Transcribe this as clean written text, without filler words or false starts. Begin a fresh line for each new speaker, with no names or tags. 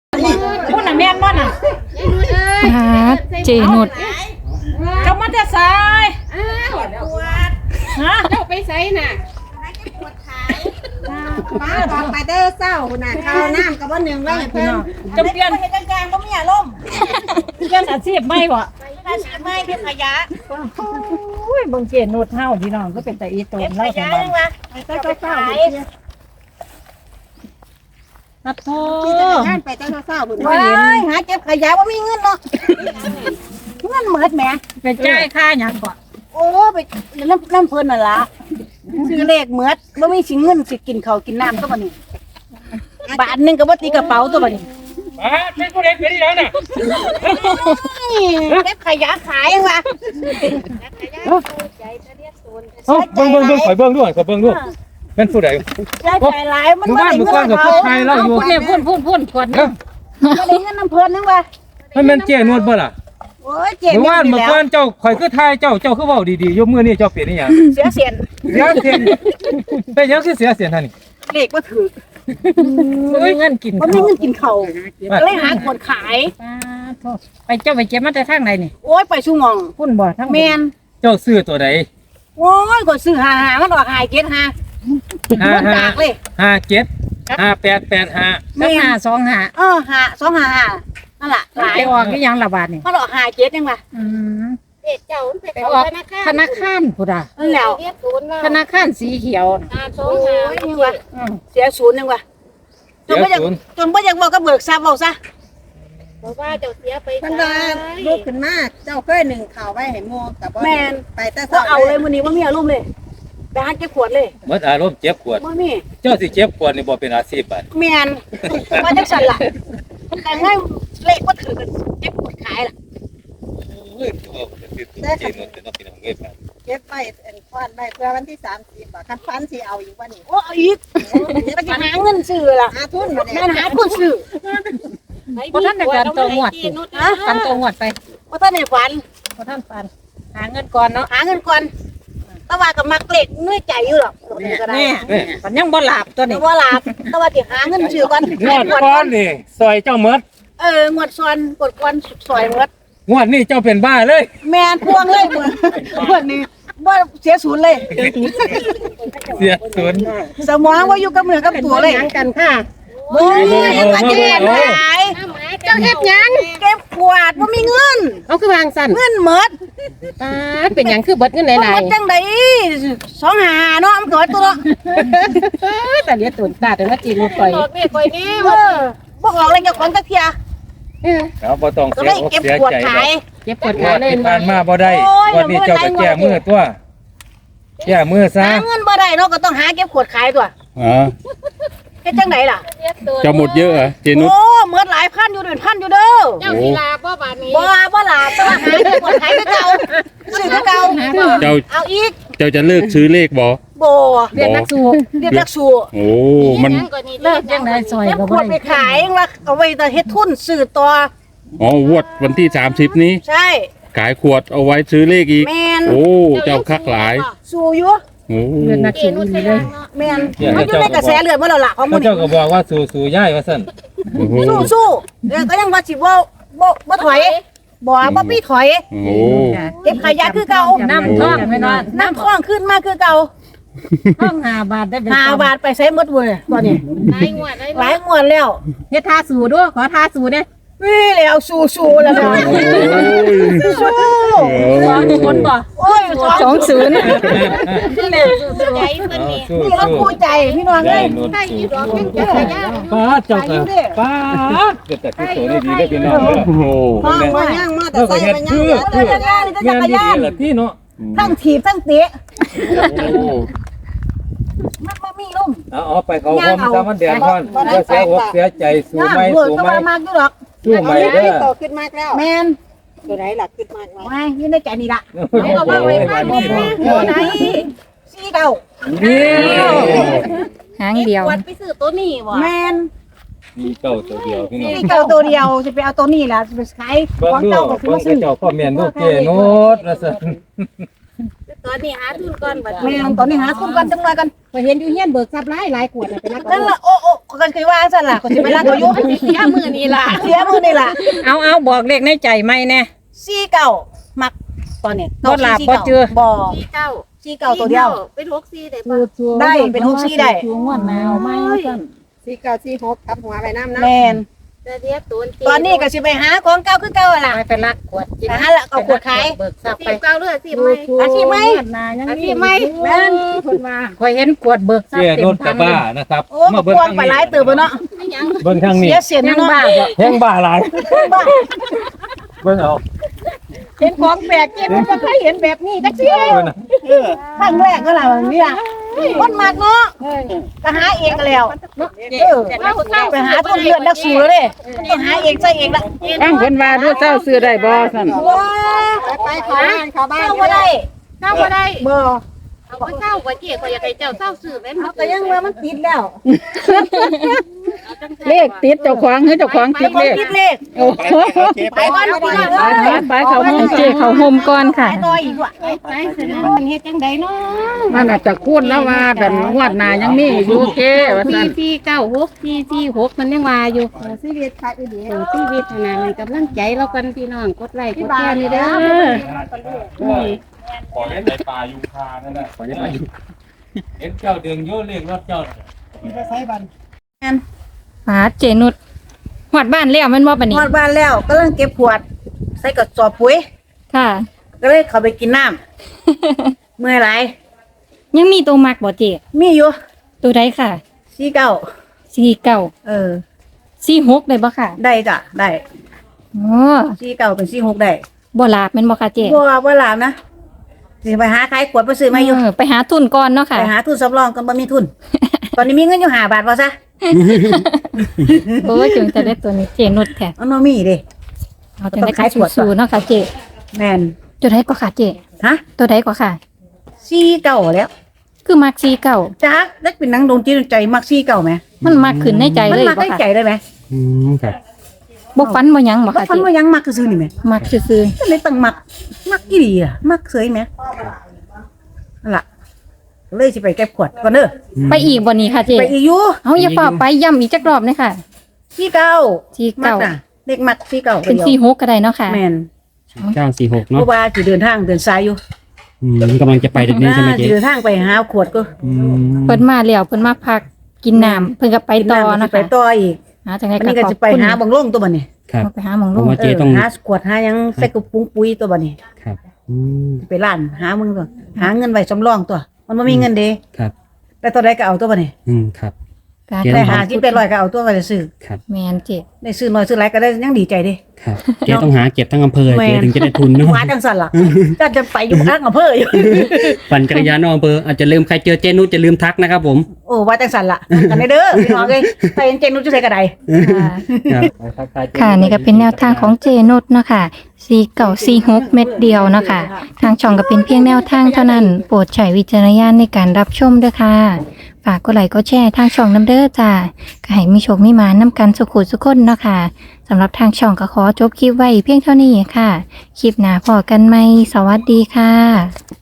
พูดน่ะแม่นบ่น่ะ
เจนุด
เจ้ามาแต่สายฮะ
เจ้าไปไสน่ะ
ป้าบอกไปเด้อเศร้าน่ะข้าวน้ำกับว่าหนึ่งเลยเพิ่น
จะเปลี่ยน
เฮ็ดกลางๆบ่มีอารมณ์
เปลี่ยนอาชีพใหม่บ่
ถ้าสิไม่เฮ็ดขยะ
อุ้ยเบิ่งเจนุดเฮาพี่น้องก็เป็นแต่อีโตน
ข
เล่าจั
ยะ
งว่า
จังว่าไปเจ้าเศร้า
นัดโท
ขี่จักรยานไปเจ้าเศร้าพุ่นว้ายหาเก็บขยะบ่มีเงินเนาะเงินหมดแหม
ไปจ่ายค่าหยังก่อน
โอ้ไปน้ำเพิ่นน่ะล่ะซื้อเลขหมดบ่มีสิเงินสิกินข้าวกินน้ำก็บ่นี่บาทนึงก็บ่ตีกระเป๋าตัวบ่นี่
เป็นผู้เล่นเป็นยังน่ะ
เก็บขยะขายยังวะ
เบิ่งข่อยเบิ่งด้วยข่อยเบิ่งด้วยเป็นผู้ใด
ใจหลายมัน
หมู่
บ่
บ้าน
ได้
หมู่
เงิ
ก้อน
น
กับ
เขา
พวกไทยเราอยู่
พูดเนี่ยพูดก่อน
เอ้า
บ่ได้เงินน้ำเพิ่นนึงวะ
มันเป็นเจ๊นวดบ่ล่ะ
โอ้ยเจ็บ
หมู่บ้าน
อยู่
เมื่อ
แล้ว
ก่อนเจ้าข่อยคือไทยเจ้าคือเว้าดีๆยกมือนี่เจ้าเปลี่ยนอีหยัง
เสียเสียน
เสียเสียนเป็นหยังคือเสียเสียนท่านนี่
เลขบ่ถือ
บ่มีเงินกิน
บ่มีเงินกินข้าวก็เลยหาคนขาย
ไปเจ้าไปเก็บมาแต่ทางไหนนี่
โอ้ยไปชูหมอง
พุ่นบ่ทาง
แม่น
เจ้าซื้อตัวใด
โอ้ยก็ซื้อหามันออกหายเก็ดหามันจากเลย
57 5885
แม่525
หา255นั่นล่ะหลาย
ไปออกอีหยังละบาทนี่
มันออกหายเก็ดยังวะ
เด็กเจ้ามันไป
ไป
เข้า
ออก
ธนาคาร
ธนาคารพุ่นน่ะ
นั่นแล้ว
เรียกศูนย์แล้ว
ธนาคารสีเขียว
โอ้ยยังวะ
อืม
เสียศูนย์ยังวะจนบ่อยากเว้ากับเบิกทรัพย์เว้าซะ
บอกว่าเจ้าเสียไป
มันว่าลูกขึ้นมาเจ้าเคยหนึ่งข่าวไว้ให้โมกับว่า
แม่น
ไปแต่
ก็เอาเลยมื้อนี้บ่มีอารมณ์เลยไปหาเก็บขวดเลย
หมดอารมณ์เจ็บปวด
บ่มี
เจ้าสิเจ็บปวดนี่บ่เป็นอาชีพบัด
แม่นว่าจังซั่นล่ะแต่ง่ายเลขบ่ถือกันเก็บขวดขายล่ะ
โอ้ยตัวเป็นเจ๊นวดเป็นน้องพี่น้องเอ้ยบัด
เก็บไว้เป็นควันไว้เพื่อวันที่30บาทคันฟันสิเอาอีกวันนี้
โอ้เอาอีกก็จะหาเงินซื้อล่ะ
หาทุนมา
แม่
เนี่ย
นหาคนซื้อ
บ่ทันได้การตัวงวดสิกันตัวงวดไป
บ่ทันได้ฝัน
บ่ทันฟันหาเงินก่อนเนาะ
หาเงินก่อนแต่ว่าก็มักเลขเหนื่อยใจอยู่หรอกก็ได้
มันยังบ่หลับตัว
แต่
นี้
ว่าหลับแต่ว่าสิหาเงินซื้อก่อน
งวดก่อนนี่ซอยเจ้าหมด
งวดซ้อนกดก่อนซอยหมด
งวดนี้เจ้าเป็นบ้าเลย
แม่นพวงเลยมื้อนี้บ่เสียศูนย์เลย
เสียศูนย์
สมองว่าอยู่กับเมือกับตัวเลย
กันค่ะ
โอ้ยมาเจ็บหาย
เจ้าเฮ็ดหยัง
เก็บขวดว่ามีเงิน
เอาคือวางสั่น
เงินหมด
ป้าดเป็นหยังคือเบิดเงินห
ห
ลาม ย
ดจังได2หาเนาะมันเกิดตัวเนาะ
ๆแต่เลียตุนตาแต่ว่าจีนปล่อยแม่ปล่อยแน่
บ่ออกเลยเจ้าของจักเที่ย
เอาบ่ต้อง
ก็
เสี
เลย ย
อก
เก็บ
เสีย
ขวด
ใจ
ขาย
เจ็บปวด
งว
ขา
ด
เลย
ที่ผ่านมาบ่ได้
โอ้ย
วันนี้เจ้าก็แก้มือตัวแก้มือซะ
หาเงินบ่ได้เนาะก็ต้องหาเก็บขวดขายตัว
อ๋อ
เฮ็ดจังไดล่ะ
จะหมดเยอะเหรอเจนุช
โอ้หมดหลายพันอยู่เดือนพันอยู่เด้อ
เจ้าศิลาบ่บาดนี้
บ่หลาบแต่ว่าหาเก็บขวดขายคือเก่าซื้อคือเก่า
เจ้า
เอาอีก
เจ้าจะเลิกซื้อเลขบ่
บ่
เรียนนักสู้
เรียกนักสู้
โอ้มัน
เลิกยังได้ซอย
เก็บ
ก็
ข
บ่
วดไป
ได้
ขายว่าเอาไว้แต่เฮ็ดทุนซื้อต่อ
อ๋อวดวันที่30นี้
ใช่
ขายขวดเอาไว้ซื้อเลขอีก
แม่น
โอ้เจ้าคักหลาย
สู้อยู่
โอ้
เรียนนักสู้นี่เลย
แม่นมันอยู่ในกระแสเลือดมาแล้วล่ะของ
พ
มื้
ระ
อ
เจ้า
นี้
ก็บอกว่าสู่ย่ายว่าซั่น
โอ้โห
สู้เดี๋ยวก็ยังว่าสิบ่ถอยบ่ปีถอย
โอ้
เก็บขยะคือเก่า
น้ำท่องไม่นอน
น้ำคลองขึ้นมาคือเก่า
ท่อง5 บาทได้เป็น
5 บาทไปใช้หมดเว้ยตอนนี้
หลายงวดหลาย
หลายงวดแล้ว
เฮ็ดท่าสู้ด้วยขอท่าสู้เด้
วิ่แล้วสู้แล้วนะสู้
คนบ่
โอ้ย
20
ใจเพิ่นนี่
สู้
นี่เราคู่ใจพี่น้อง
ย่า
เอ้
ย
ย
นวด
ได้อยู่ดอกยัง
เอ
เจ้า
อ
ขยะ
ป้าเจ้าก็ป้าเกิดแต่ที่โตนี่ดีได้พี่น้องเด้อ
โอ้โห
ห้องมาย่างมาแต่
เออก็
ใส่
เฮ็ด
มาย่าง
คือ
มา
จักรยานนี่จักรยาน
แม่นดีๆล่ะพี่เนาะ
ทั้งถีบทั้งเตะ
โอ้
มันบ่มีลุ่ม
เอาไปเขาห่มซะมันแดดร้อนบ่เสียอกเสียใจสู้
ย่าง
ไหม
เบิด
สู้
ก็
ไหม
ว่ามากอยู่ดอก
สู้ไหมเด้อ
โตขึ้นมากแล้ว
แม่น
ตัวไหนล่ะขึ้นมากแล้ว
ไว้อยู่ในใจนี่ล่ะ
ให้เอามาไว้บ้านนี่
ตัวไหนสีเก่า
นี่
หางเดียว
วัดไปซื้อตัวนี้บ่
แม่น
มีเก้าตัวเดียวพี่น้อง
สีเก่าตัวเดียวสิไปเอาตัวนี้ล่ะสิไปขาย
เบิ่ง
ของ
ดู
เก่าก็คือ
เบิ่
มาง ซื้อ
เจ้าพ่อแม่นลูกเจโนดว่าซั่น
ตอนนี้หาทุนก่อนบัด
แม่นตอนนี้หาคุณก่อนจังหน่อยกัน
ไปเห็นอยู่เฮียนเบิกทรัพย์หลายขวดไปรัก
นั่นล่ะโอ้ก็คือว่าซั่นล่ะก็สิไปรักเขาอยู่
เสียมือนี่ล่ะ
เสียมือนี่ล่ะ
เอาบอกเลขในใจไหมแน่
49มักตอนนี้
บ่หลับบ่เจือ
บ่
สี่เก้า
49ตัวเดียว
เป็น64ได้ป่ะ
ได้เป็น64ได้
งวดหนาวไหมซั่น
สี่เก้าสี่หกทับหัวไปน้ำนะ
แม่น
แต่เรียกตัว
ตอนนี้ก็สิไปหาของเก่าคือเก่าล่ะ
ไปลักขวดกิน
ไปหาละเอาขวดขาย
เบิกทรัพย์ไป
สี่เก้าเลือดสี่ไหม
อาชีพไหม
อาชีพไหม
แม่น
คนมาคอยเห็นขวดเบิกทรัพ
เจ๊
ย์เต็
ร
ม
ถก
ทั
ระ
ง
บะนะครับ
โอ้มันควงไปหลายเติบบ่เนาะ
เบิ่งทางนี้
เสียเสียน
ยัง
เนาะ
บ้าบ่
แห้งบ้าหลายเบิ่งเอา
เห็นของแปลกเจ็บมันบ่เคยเห็นแบบนี้จักเที่ย
เบิ่งน่ะ
ครั้งแรกก็ล่ะเนี่ยคนมากเนาะก็หาเองก็แล้วไปหาต้นเลือดนักสู้แล้วเด้ไปหาเองใส่เองละ
ตั้งเพิ่นว่าดูเจ้าซื้อได้บ่ซั่น
ว้า
ไปเข้าบ้านเข้าบ้าน
เข้าบ่ได้
เข้าบ่ได้
บ่
เอาไปเศร้าบ่เจ๊ก็อยากให้เจ้าเศร้าสื่อแม่น
เอาก็ยังว่ามันติดแล้ว
เลขติดเจ้าของให้เจ้าของติ
แต่
ด
คน
เลข
ติดเลข
โอ้โห
ไปก่อนพี่น้อง
ไปเขาห้อง
เจเขาโฮมก่อนค่ะ
ไปต่ออีกว่ะ
ไปเสร็จแล้วมันเฮ็ดจังไดเนาะ
มันอาจจะคูณแล้วว่าแต่งวดหน้ายังมีอยู่เก้ว่าซั่น
496มันยังว่าอยู่ชีวิตค่ะอีเดียวชีวิตน่ะมันกำลังใจเรากันพี่น้องกดไลค์กดแชร์นี่เด้อ
ขอเล่นในป่ายูคานั่นแหละขอเล่นป่ายูเอ็นเจ้าเดืองโยเรียกรถเจ้า
หาเจนุดหอดบ้านแล้วแมันบ่ปะนี่
ฮอดบ้านแล้วก็เริ่มเก็บขวด ใส่กระสอบปุ๋ย
ค่ะ
ก็เลยเข้าไปกินน้ำเมื่อยหลาย
ยังมีตัวมักบ่เจ
มีอยู่
ตัวใดค่ะ
49
49
เออ
46ได้บ่ค่ะ
ได้จ้ะได้
อ๋อ
49เป็น46ได้
บ่ลาบแม่นบ่ค่ะเจ
บ่หลามนะสิไปหาขายขวดไปซื้อมาอยู่
ไปหาทุนก่อนเนาะค่ะ
ไปหาทุนสำรองกันบ่มีทุน ตอนนี้มีเงินอยู่5 บาทพอซะ
โอ้ยจึงจะได้ตัวนี้เจนุดแท้
มันบ่มีเด้
เอาจังได้ขายสู้ๆเนาะค่ะเจ
แม่น
ตัวใดก็ค่ะเจ
ฮะ
ตัวใดก็ค่ะ
49แล้ว
คือมัก49
จ้าเล็กเป็นหนังดวงจิตดวงใจมัก49มั้ย
มันมักขึ้นในใจ
มั
เลย
มัก
บ่
ได้
ค่ะ
ใจได้ไหม
ครับ
บ่ฟันบ่หยังบ่
บ่
ค่ะ
ฟัน
เจ
ว่ายังมักซื่อๆนี่แหม
มักซื่อ
ก็เลยต้องมักอีหลีอ่ะมักเสยแหมนั่นล่ะเลยสิไปเก็บขวดก่อนเด้อ
ๆไปอีกบ่นี่ค่ะเจ
ไปอีกอยู่
เอาอย่าฝ่าไปย้ำอีกจักรอบเลยค่ะ
49มัก
49
น่ะเด็กมัก49
เป็น46ก็ได้เนาะค่ะ
แม่น
946
เพ
เนาะ
ราะว่าสิเดินทางเดินสายอยู่
กำลังจะไปเดี๋ยวนี้ใช่ไหม
สิ
เจ๊
เดินทางไปหาขวดก็
เพิ่นมาแล้วเพิ่นมาพักกินน้ำเพิ่นก็ไปต่อ
กิ
นะ
ไป
คะ
ต่ออีก
หาจังได๋
วัน
ก็
นี้ก็
ขอบ
จะไป
คุณ
หาบังลงตัวบัดนี้
ครับ
ไปหาหมองล
ผม
ง
ว่าเจ๊ต้อง
หาขวดหาหยังใส่กระปุกปุ๋ยตัวบัดนี้
ครับ
ไปร้านหามึงตัวหาเงินไว้สำรองตัว มันบ่มีเงินเด้
ครับ
แต่ตัวใดก็เอาตัวบัดนี้
ครับ
การ
เจ๊
ได้หาที่เป็นร้อยก็เอาตัวไปซื้อ
ครับ
แม่นเจ็บ
ได้ซื้อน้อยซื้อหลายก็ได้ยังดีใจเด้
ครับเจ๊ต้องหาเก็บทั้งอำเภอเจ๊ถึงจะได้ทุนเนาะ
ว่าจังซั่นล่ะก็จะไปอยู่ข้างอำเภออยู่
ปั่นจักรยานนอกอำเภออาจจะลืมใครเจอเจนุชจะลืมทักนะครับผม
โอ้ว่าจังซั่นล่ะกันได้เด้อพี่น้องเอ้ยไปเห็นเจนุชจะใส่กระได
ครับ
ค่ะนี่ก็เป็นแนวทางของเจนุชเนาะค่ะ4946เม็ดเดียวเนาะค่ะทางช่องก็เป็นเพียงแนวทางเท่านั้น โปรดใช้วิจารณญาณในการรับชมด้วยค่ะฝากกดไลค์กดแชร์ทางช่องน้ำเด้อจ้าก็ให้มีโชคมีหมานำกันสุขุสุขคนเนาะค่ะสำหรับทางช่องก็ขอจบคลิปไว้เพียงเท่านี้ค่ะ คลิปหน้าพอกันไหมสวัสดีค่ะ